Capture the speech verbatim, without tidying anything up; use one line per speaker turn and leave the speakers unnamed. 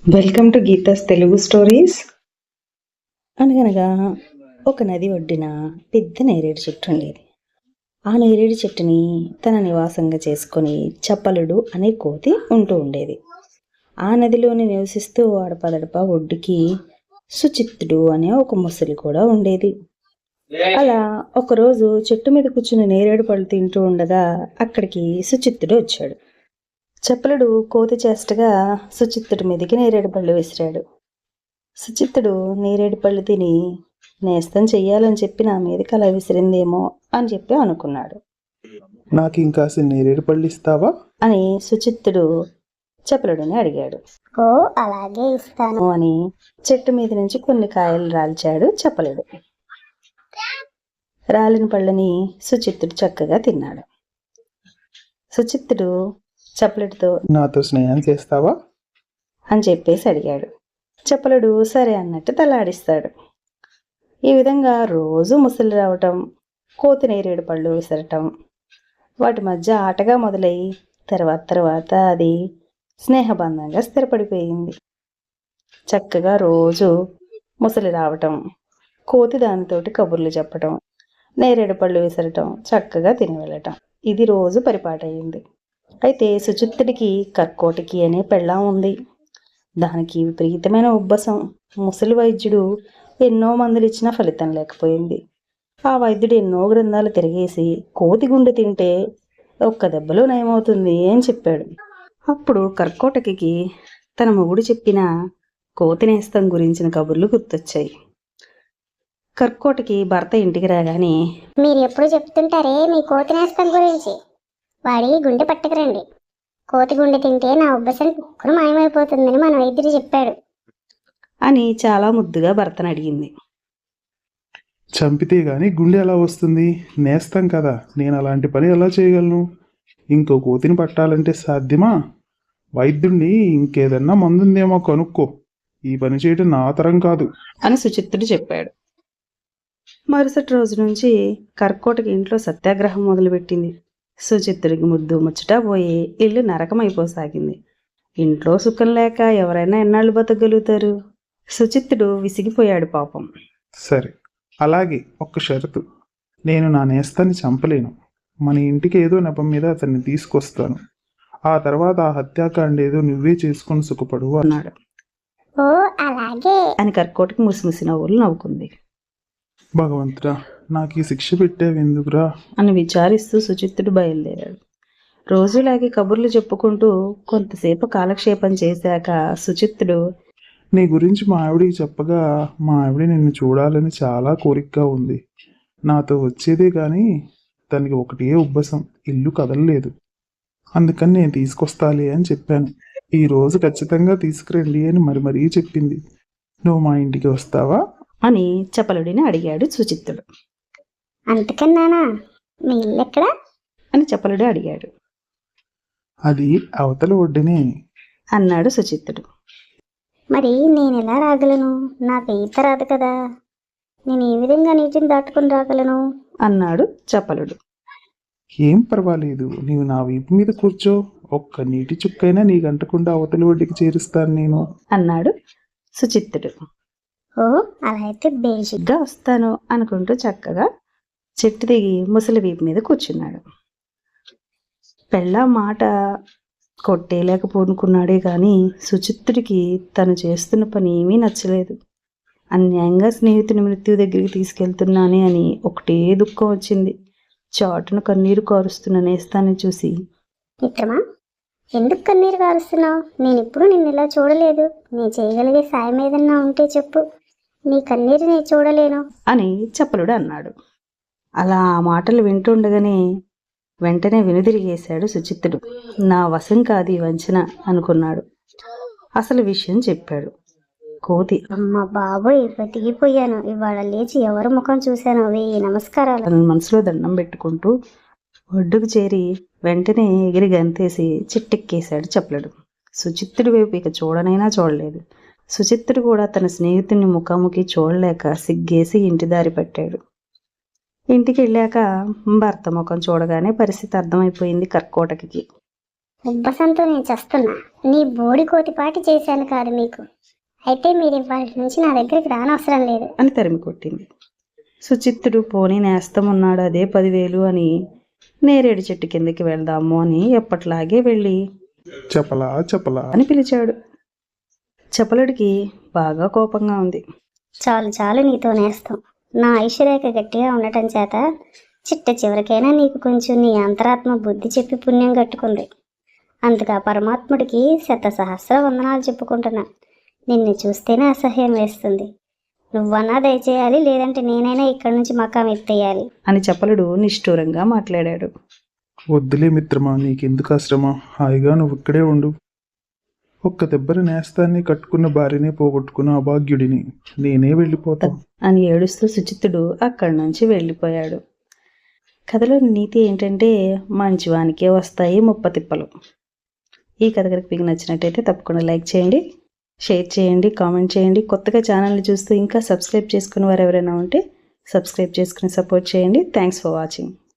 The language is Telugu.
Welcome to Geetha's Telugu stories. అనగనగా ఒక నది ఒడ్డిన పెద్ద నేరేడు చెట్టు ఉండేది. ఆ నేరేడు చెట్టుని తన నివాసంగా చేసుకొని చప్పలుడు అనే కోతి ఉంటూ ఉండేది. ఆ నదిలోని నివసిస్తూ ఆడపదడప ఒడ్డుకి సుచిత్తుడు అనే ఒక ముసలి కూడా ఉండేది. అలా ఒకరోజు చెట్టు మీద కూర్చుని నేరేడు పళ్ళు తింటూ ఉండగా అక్కడికి సుచిత్తుడు వచ్చాడు. చప్పలుడు కోతి చేష్టగా సుచిత్తుడి మీదకి నేరేడు పళ్ళు విసిరాడు. సుచిత్తుడు నేరేడు పళ్ళు తిని నేస్తం చెయ్యాలని చెప్పి నా మీదకి అలా విసిరిందేమో అని చెప్పి అనుకున్నాడు.
నాకు ఇంకాసి నేరేడు పళ్ళు ఇస్తావా
అని సుచిత్తుడు చపలుడిని అడిగాడు.
ఓ అలాగే ఇస్తాను
అని చెట్టు మీద నుంచి కొన్ని కాయలు రాల్చాడు చపలుడు. రాలిన పళ్ళని సుచిత్తుడు చక్కగా తిన్నాడు. సుచిత్తుడు చపలుడితో
నాతో స్నేహం చేస్తావా
అని చెప్పేసి అడిగాడు. చపలుడు సరే అన్నట్టు తలాడిస్తాడు. ఈ విధంగా రోజు ముసలి రావటం, కోతి నేరేడు పళ్ళు విసరటం వాటి మధ్య ఆటగా మొదలై తర్వాత తర్వాత అది స్నేహబంధంగా స్థిరపడిపోయింది. చక్కగా రోజు ముసలి రావటం, కోతి దానితోటి కబుర్లు చెప్పటం, నేరేడు పళ్ళు విసరటం, చక్కగా తిని వెళ్ళటం, ఇది రోజు పరిపాటయింది. అయితే సుచిత్తుడికి కర్కోటకి అనే పెళ్ళాం ఉంది. దానికి విపరీతమైన ఉబ్బసం. ముసలి వైద్యుడు ఎన్నో మందులు ఇచ్చినా ఫలితం లేకపోయింది. ఆ వైద్యుడు ఎన్నో గ్రంథాలు తిరిగేసి కోతి గుండె తింటే ఒక్క దెబ్బలో నయమవుతుంది అని చెప్పాడు. అప్పుడు కర్కోటకి తన మొగుడు చెప్పిన కోతి నేస్తం గురించిన కబుర్లు గుర్తొచ్చాయి. కర్కోటకి భర్త ఇంటికి రాగానే,
మీరు ఎప్పుడు చెప్తుంటారే మీ కోతి నేస్తం గురించి, వాడి గుండె పట్టుకురండి, కోతి గుండె తింటే నా ఉబ్బసం కుక్కరు మాయమైపోతుందని మన వైద్యుడు చెప్పాడు
అని చాలా ముద్దుగా భర్తను అడిగింది.
చంపితే గాని గుండె ఎలా వస్తుంది? నేస్తాం కదా, నేను అలాంటి పని ఎలా చేయగలను? ఇంకో కోతిని పట్టాలంటే సాధ్యమా? వైద్యుడిని ఇంకేదన్నా మందుందేమో కనుక్కో, ఈ పని చేయడం నా తరం కాదు
అని సుచిత్తుడు చెప్పాడు. మరుసటి రోజు నుంచి కర్కోటకి ఇంట్లో సత్యాగ్రహం మొదలుపెట్టింది. సుచిత్తుడికి ముద్దు ముచ్చట పోయి ఇల్లు నరకమైపోసాగింది. ఇంట్లో సుఖం లేక ఎవరైనా ఎన్నాళ్ళు బతకగలుగుతారు? సుచిత్తుడు విసిగిపోయాడు పాపం.
సరే, అలాగే ఒక్క షరతు, నేను నా నేస్తాన్ని చంపలేను. మన ఇంటికి ఏదో నెపం మీద అతన్ని తీసుకొస్తాను. ఆ తర్వాత ఆ హత్యాకాండ ఏదో నువ్వే చేసుకుని సుఖపడు
అన్నాడు.
ఓ అలాగే
అని కర్కోటకి ముసిముసి నవ్వులు నవ్వుకుంది.
భగవంతుడా, నాకు ఈ శిక్ష పెట్టావెందుకురా
అని విచారిస్తూ సుచిత్తుడు బయలుదేరాడు. రోజులాగే కబుర్లు చెప్పుకుంటూ కొంతసేపు కాలక్షేపం చేశాక సుచిత్తుడు,
నీ గురించి మా ఆవిడికి చెప్పగా మా ఆవిడ నిన్ను చూడాలని చాలా కోరికగా ఉంది. నాతో వచ్చేదే కానీ తనకి ఒకటే ఉబ్బసం, ఇల్లు కదలలేదు. అందుకని నేను తీసుకొస్తాలే అని చెప్పాను. ఈ రోజు ఖచ్చితంగా తీసుకురండి అని మరి మరీ చెప్పింది. నువ్వు మా ఇంటికి వస్తావా
అని చపలుడిని అడిగాడు సుచిత్తుడు.
అంతకన్నానా, మీ ఇల్లు ఎక్కడ
అని చపలుడు అడిగాడు.
అది అవతల ఒడ్డునే
అన్నాడు సుచిత్తుడు.
మరి నేను ఎలా రాగలను? నాకు ఈత రాదు కదా, నేను ఏ విధంగా నీటిని దాటుకుని రాగలను
అన్నాడు చపలుడు.
ఏం పర్వాలేదు, నీవు నా వీపు మీద కూర్చో, ఒక్క నీటి చుక్కైనా నీ గంటకుండా అవతలి ఒడ్డుకి చేరుస్తాను నేను
అన్నాడు సుచిత్తుడు.
ఓ అలా అయితే బేషి
గా వస్తాను అనుకుంటూ చక్కగా చెట్టు దిగి ముసలి వీపు మీద కూర్చున్నాడు. పెళ్ళ మాట కొట్టేయలేకపోనుకున్నాడే కానీ సుచిత్తుడికి తను చేస్తున్న పని ఏమీ నచ్చలేదు. అన్యాయంగా స్నేహితుని మృత్యు దగ్గరికి తీసుకెళ్తున్నానే అని ఒకటే దుఃఖం వచ్చింది. చాటును కన్నీరు కారుస్తున్న నేస్తాన్ని చూసి,
మిత్రమా, ఎందుకు కన్నీరు కారుస్తున్నావు? నేను ఇప్పుడు నిన్ను ఇలా చూడలేదు. నీ చేయగలిగే సాయం ఏదన్నా ఉంటే చెప్పు, నీ కన్నీరు నేను చూడలేను
అని చపలుడు అన్నాడు. అలా ఆ మాటలు వింటుండగానే వెంటనే వెనుదిరిగేశాడు సుచిత్తుడు. నా వశం కాదు ఈ వంచన అనుకున్నాడు. అసలు విషయం చెప్పాడు. కోతి,
అమ్మ బాబోయ్, బతికిపోయాను. ఇవాళ లేచి ఎవరి ముఖం చూశాను, వెయ్యి నమస్కారాలు
తన మనసులో దండం పెట్టుకుంటూ ఒడ్డుకు చేరి వెంటనే ఎగిరి గంతేసి చిట్టెక్కేశాడు చపలుడు. సుచిత్తుడి వైపు ఇక చూడనైనా చూడలేదు. సుచిత్తుడు కూడా తన స్నేహితుని ముఖాముఖి చూడలేక సిగ్గేసి ఇంటి దారి పట్టాడు. ఇంటికి వెళ్ళాక భర్త ముఖం చూడగానే పరిస్థితి అర్థమైపోయింది కర్కోటకి.
ఉబ్బసంతో నేను చస్తున్నా. నీ బోడి కోతిపాటి చేశాను కాదు మీకు. అయితే మీరు ఇవాళ నుంచి నా దగ్గరికి రానవసరం లేదు.
అని తరిమి కొట్టింది. సుచిత్తుడు పోనీ నేస్తం ఉన్నాడు అదే పదివేలు అని నేరేడు చెట్టు కిందకి వెళ్దాము అని ఎప్పట్లాగే వెళ్ళి
చెప్పలా చెప్పలా
అని పిలిచాడు. చపలుడికి బాగా కోపంగా ఉంది.
చాలు చాలు నీతో నేస్తాం. నా ఐశ్వర్యక గట్టిగా ఉండటం చేత చిట్ట చివరికైనా నీకు కొంచెం నీ అంతరాత్మ బుద్ధి చెప్పి పుణ్యం కట్టుకుంది. అందుకు ఆ పరమాత్ముడికి శత సహస్ర వందనాలు చెప్పుకుంటున్నా. నిన్ను చూస్తేనే అసహ్యం వేస్తుంది. నువ్వన్నా దయచేయాలి, లేదంటే నేనైనా ఇక్కడి నుంచి మకాం ఎత్తేయాలి
అని చపలుడు నిష్ఠూరంగా మాట్లాడాడు.
వద్దులే మిత్రమా, నీకెందుకు ఆశ్రమం? హాయిగా నువ్వు ఇక్కడే ఉండు. ఒక్క దెబ్బరి నేస్తాన్ని కట్టుకున్న భార్యనే పోగొట్టుకున్న అభాగ్యుడిని నేనే వెళ్ళిపోతా
అని ఏడుస్తూ సుచిత్తుడు అక్కడి నుంచి వెళ్ళిపోయాడు. కథలోని నీతి ఏంటంటే మంచివానికే వస్తాయి ముప్పతిప్పలు. ఈ కథ కనుక మీకు నచ్చినట్టయితే తప్పకుండా లైక్ చేయండి, షేర్ చేయండి, కామెంట్ చేయండి. కొత్తగా ఛానల్ని చూస్తూ ఇంకా సబ్స్క్రైబ్ చేసుకుని వారు ఎవరైనా ఉంటే సబ్స్క్రైబ్ చేసుకుని సపోర్ట్ చేయండి. Thanks for watching.